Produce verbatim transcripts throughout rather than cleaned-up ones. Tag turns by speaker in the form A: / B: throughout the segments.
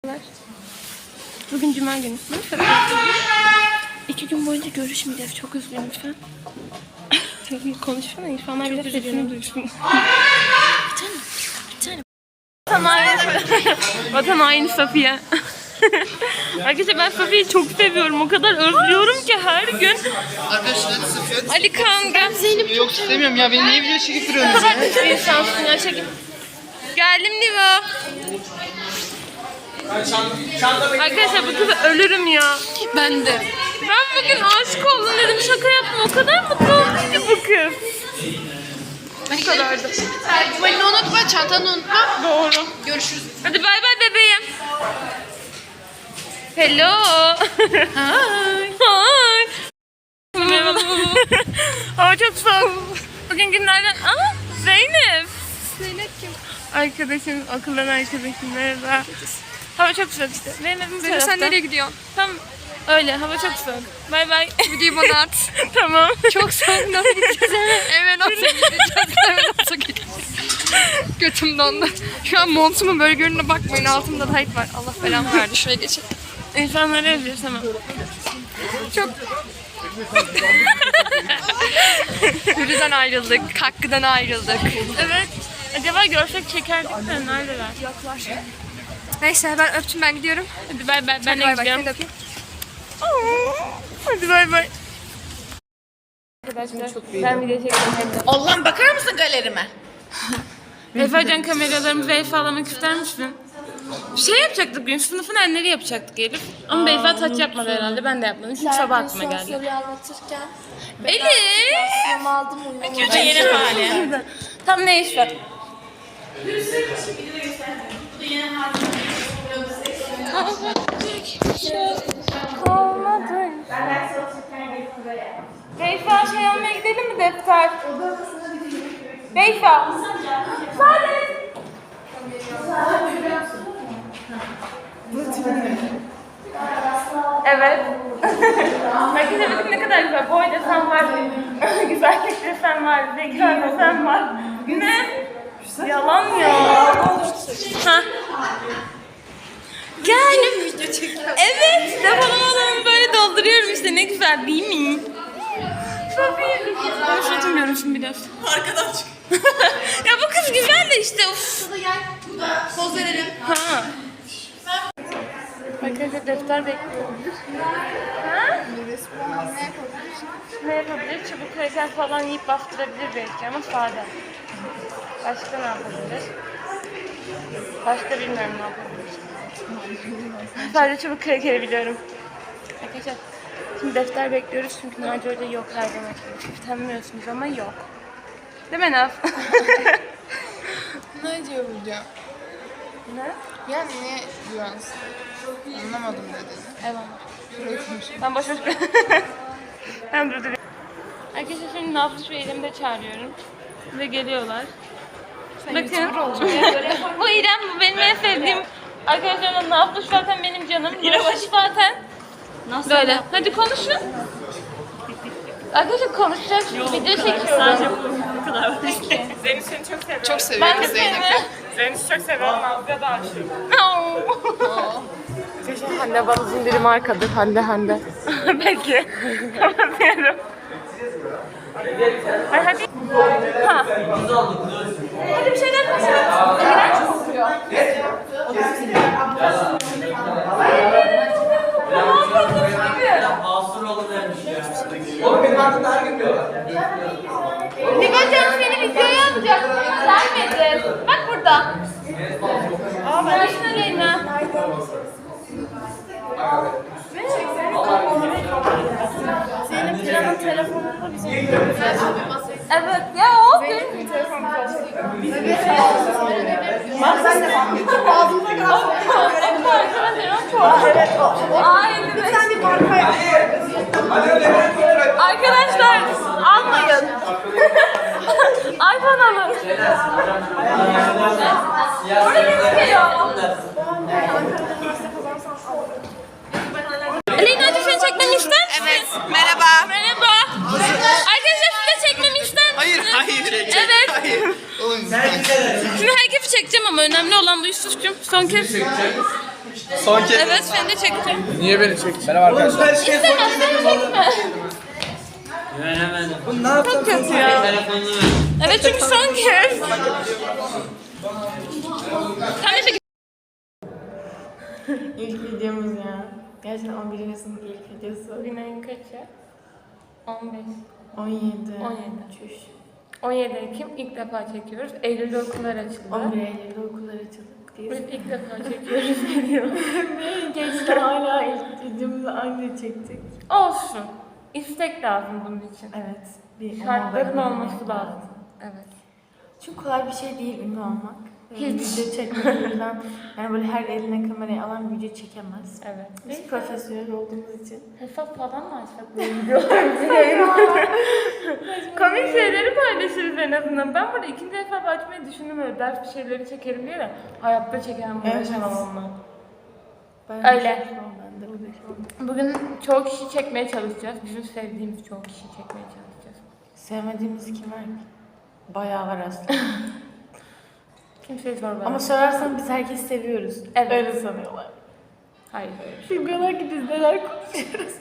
A: Bugün cuma günü. İki gün boyunca görüşmeyeceğiz. Çok üzgünüm lütfen. Konuşsana. İnsanlar bile sesini duysun. Bir tane. Bir tane. Vatan haini. Vatan haini Safiye. Arkadaşlar ben Safiye'yi çok seviyorum. O kadar özlüyorum ki her gün.
B: Arkadaşlar Safiye.
A: Ali Kaan gel. Zeynep
B: Yok istemiyorum ya. Beni niye video çekip duruyorsunuz
A: ya? Bir insansın ya. Çekim. Geldim Niva. Arkadaşlar bu kızı ölürüm ya.
C: Ben de.
A: Ben bugün aşık oldum dedim. Şaka yapma. O kadar mutlu oldum ki bu kız. Bu kadardı.
C: Eldivenini unutma, çantanı unutma.
A: Doğru.
C: Görüşürüz.
A: Hadi bay bay bebeğim. Hello. Hi. Hi. Merhaba. Hava çok soğuk. Bugün günlerden... Aa, Zeynep.
C: Zeynep kim?
A: Arkadaşım, okuldan arkadaşım. Merhaba. Hava çok soğuk işte. Benim evim bu
C: Zeynep
A: tarafta.
C: sen nereye gidiyorsun?
A: Tam öyle. Hava çok soğuk. Bay bay.
C: Videoyu bana at.
A: Tamam.
C: Çok soğuk, nasıl gideceğiz eve? Eve nasıl gideceğiz? Eve nasıl gideceğiz? Götüm dondu. Şu an montumun böyle görününe bakmayın. Altımda tight var. Allah belamı verdi. Şuraya geçelim.
A: İnsanları özlüyoruz ama.
C: Çok... Hürrü'den ayrıldık. Hakkı'dan ayrıldık.
A: Evet. Acaba görsek çekerdik de neredeler?
C: Yoklar. Neyse ben öptüm, ben gidiyorum.
A: Hadi bay bay. Ben
C: Hadi
A: de
C: bay bay.
A: gideceğim.
C: Seni de öpeyim.
A: Hadi bay bay. Arkadaşlar ben video çekeceğim.
D: Allah'ım bakar mısın galerime?
A: Efecan kameralarımızı Beyfa'lamak ister misin? Şey yapacaktık bugün, sınıfın enleri yapacaktık Elif. Ama Beyfa taç yapmadı herhalde, ben de yapmadım. Çünkü sabah aklıma geldi.
E: Soruyu anlatırken
A: Elif!
E: ben aldım uyumadım.
D: Bu da yeni hali.
A: Tam ne iş var? Olmadı. Beyfa şey almaya gidelim mi defter? Beyfa! Sade! Evet. Arkadaşlar bakın ne kadar güzel. Boy desen var. Güzellik desen var. Zeka desen var. Ne? Yalan ya. Ha. Gel. Evet. Depolamalarımı böyle dolduruyorum işte. Ne güzel değil mi? Safiye. Ben şuratamıyorum şimdi biraz.
D: Arkadan çık.
A: Ya bu kız güzel de işte. Of.
D: Poz verelim.
A: Ha. Arkadaşlar defter bekliyorum. Ha? Ne yapabilir? Çubuk kraker falan yiyip bastırabilir belki ama sade. Başka ne yapabilir? Başka bilmiyorum ne yapabilir. Sadece çubuk krakeri biliyorum. Arkadaşlar şimdi defter bekliyoruz çünkü Naci Hoca yok her zaman. Tanımıyorsunuz ama yok. Değil mi Naf?
B: Ne diyor burada?
A: Ne?
B: Yani ne güvensin? Anlamadım ne dedi.
A: Eyvallah. Ben boş boş... Ben durdurayım. Arkadaşlar şimdi Naflı şu elimde çağırıyorum. Ve geliyorlar. Bakın. Bu İrem, bu benim en sevdiğim. Arkadaşlar Naflı zaten benim canım. İrem zaten. Nasıl böyle? Hadi konuşun. Arkadaşlar konuşacak. Video çekiyorum.
D: Bu kadar.
A: Zeynep seni çok seviyorum.
B: Çok seviyorum
A: Ben de
B: Zeynep'i.
A: seni.
D: Zeynep'i çok seviyorum. Nazlı'ya da aşığım.
C: Hande Balız'ın biri markadır. Hande Hande.
A: Peki. Kapatıyorum. Ay hadi. Ha. Hadi bir şeyler konuşalım. İğrenç kokuyor. Nibacığım seni videoya alacak. Gelmedi. Bak burada. Aa ben işte Leyla. Zeynep Piran'ın telefonunda bizim. Evet ya o benim telefonum. Bak sen de bak. Ağzımda kalsın. Evet o. Aynen. Bir tane marka. Arkadaşlar almayın. iPhone alın. Orada gözüküyor. Aleyna'cığım seni çekmemi ister misin?
D: Evet. Merhaba.
A: Merhaba. Arkadaşlar siz de çekmemi ister misiniz?
B: Hayır, hayır.
A: Evet.
B: Hayır. Oğlum
A: Şimdi herkesi çekeceğim ama önemli olan bu Yusuf'cum. Son kez.
F: Son kez.
C: Evet seni de çekeceğim.
F: Niye beni çektin? Merhaba arkadaşlar.
C: Çok kötü ya. Evet çünkü son kez. Sen de çek.
B: İlk videomuz ya. Gerçekten on birinci sınıf ilk videosu.
A: Bugün ayın kaçı? on beş.
B: on yedi.
A: on yedi. Çüş. on yedi Ekim ilk defa çekiyoruz. Eylül'de okullar açıldı.
B: on bir Eylül'de okullar açıldık.
A: Biz ilk defa çekiyoruz video.
B: Geçti hala ilk videomuzu anca çektik.
A: Olsun. İstek lazım bunun için.
B: Evet. Bir
A: Şartların
B: ona
A: olması
B: bakmak
A: lazım. Evet.
B: Çünkü kolay bir şey değil ünlü olmak.
A: Hiç.
B: Video çekmek yüzden yani böyle her eline kamerayı alan video çekemez.
A: Evet.
B: Biz profesyonel olduğumuz için.
A: Hesap falan mı açsak böyle videolarımızı yayınlayalım? Komik şeyleri paylaşırız en azından. Ben burada ikinci hesap açmayı düşündüm öyle ders bir şeyleri çekerim diye de hayatta çekemem,
B: Evet.
A: uğraşamam onunla.
B: Ben
A: Öyle.
B: uğraşamam, Ben de uğraşamam.
A: Bugün çoğu kişi çekmeye çalışacağız. Bizim sevdiğimiz çoğu kişi çekmeye çalışacağız.
B: Sevmediğimiz kim var ki? Bayağı var aslında.
A: Kimseye sor bana.
B: Ama sorarsan biz herkesi seviyoruz.
A: Evet.
B: Öyle sanıyorlar.
A: Hayır öyle bir şey.
B: Bilmiyorlar ki biz neler konuşuyoruz.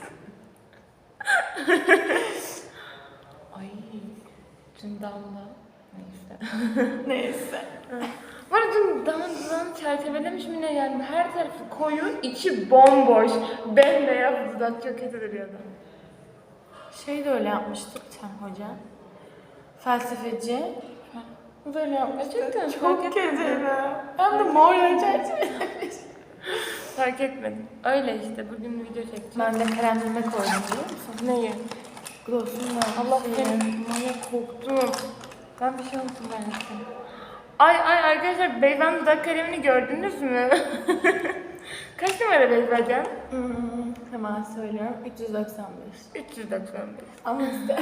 A: Ay. Dün damla. Neyse.
B: Neyse.
A: Bu arada dün damla çerçevelemiş mi ne yani her tarafı koyu, içi bomboş. Bembeyaz dudak çok kötü duruyordu.
B: Şey de öyle yapmıştık Can Hoca. Felsefeci.
A: Böyle yapmıştık. Gerçekten
B: Çok
A: fark
B: kötü
A: etmedim.
B: ya. Hem de morla çerçevelemiş.
A: Fark etmedim. Öyle işte bugün video çekeceğim.
B: Ben de kremleme koydum biliyor musun?
A: Neyi?
B: Gloss'umla.
A: Allah seni manyak korktum. Ben bir şey unuttum ben seni. Ay ay arkadaşlar Beyvan dudak kalemini gördünüz mü? Kaç numara Beyvacan?
B: Hmm, hemen söylüyorum. üç yüz doksan beş.
A: üç yüz doksan beş.
B: Ama işte.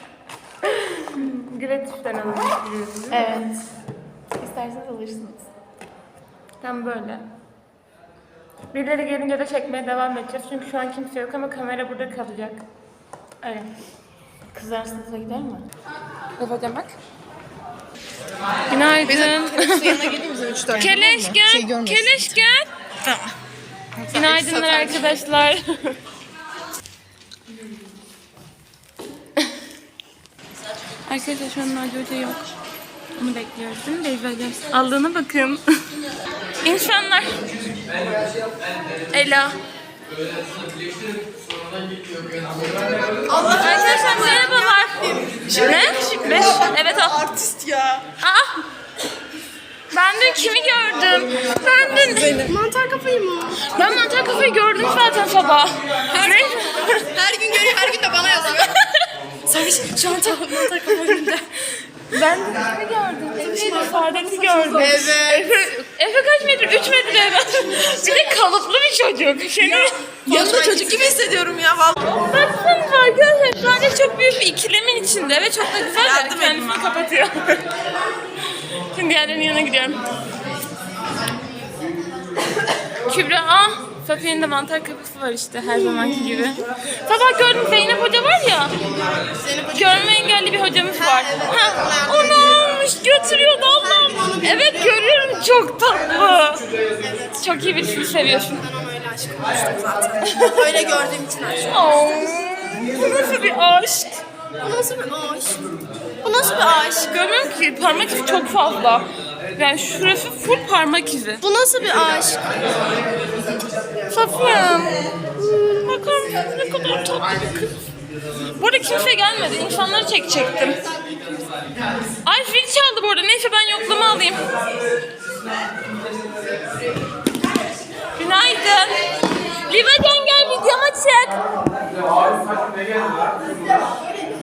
A: Gratis'ten alınmış biliyorsunuz.
B: Evet. İsterseniz alırsınız.
A: Tam böyle. Birileri gelince de çekmeye devam edeceğiz. Çünkü şu an kimse yok ama kamera burada kalacak. Öyle.
B: Kızlar sınıfına gider mi?
C: Baba bak. Günaydın.
D: Yanına geleyim bize üç tane.
C: Keleş gel. Keleş gel.
D: Tamam.
C: Günaydınlar arkadaşlar. Arkadaşlar şu an Naci Hoca yok. Onu bekliyoruz değil mi? Beyza gelsin. Aldığına bakın. İnsanlar. Ela. Arkadaşlar merhabalar. Ne? Beş. Evet o.
D: Artist ya.
C: Aa. Ben dün kimi gördüm? Ben dün...
D: Mantar kafayı mı?
C: Ben mantar kafayı gördüm zaten sabah.
D: Her,
C: Ne?
D: her gün görüyor, her gün de bana yazıyor.
C: Sen şu an mantar kafayında. Ben dün kimi gördüm? Efe'yle Saadet'i gördüm.
D: Evet.
C: Efe, Efe kaç metre? Üç metre evet. Bir de kalıplı bir çocuk. Seni...
D: Yanında çocuk gibi hissediyorum ya vallahi.
C: Baksanıza arkadaşlar şu anda çok büyük bir ikilemin içinde ve çok da güzel
D: Yardım
C: de kendisini kapatıyor. Şimdi diğerlerinin yanına gidiyorum. Kübra, ah, Safiye'nin de mantar kafası var işte her zamanki gibi. Sabah gördüm Zeynep Hoca var ya, görme engelli bir hocamız var. Ha, onu almış götürüyordu Allah'ım. Evet görüyorum çok tatlı. Çok iyi birisini seviyorsun.
D: Ben ona öyle aşık olmuştum zaten. Öyle gördüğüm için aşık.
C: Oo, bu nasıl bir aşk?
D: Bu nasıl bir aşk? Bu nasıl bir aşk?
C: Görmüyorum ki parmak izi çok fazla. Yani şurası full parmak izi.
D: Bu nasıl bir aşk?
C: Safiyem. Hmm, bakar mısın ne kadar tatlı bir kız. Bu arada kimse gelmedi. İnsanları çekecektim. Ay zil çaldı bu arada. Neyse ben yoklama alayım. Günaydın. Livacan gel videoma çek.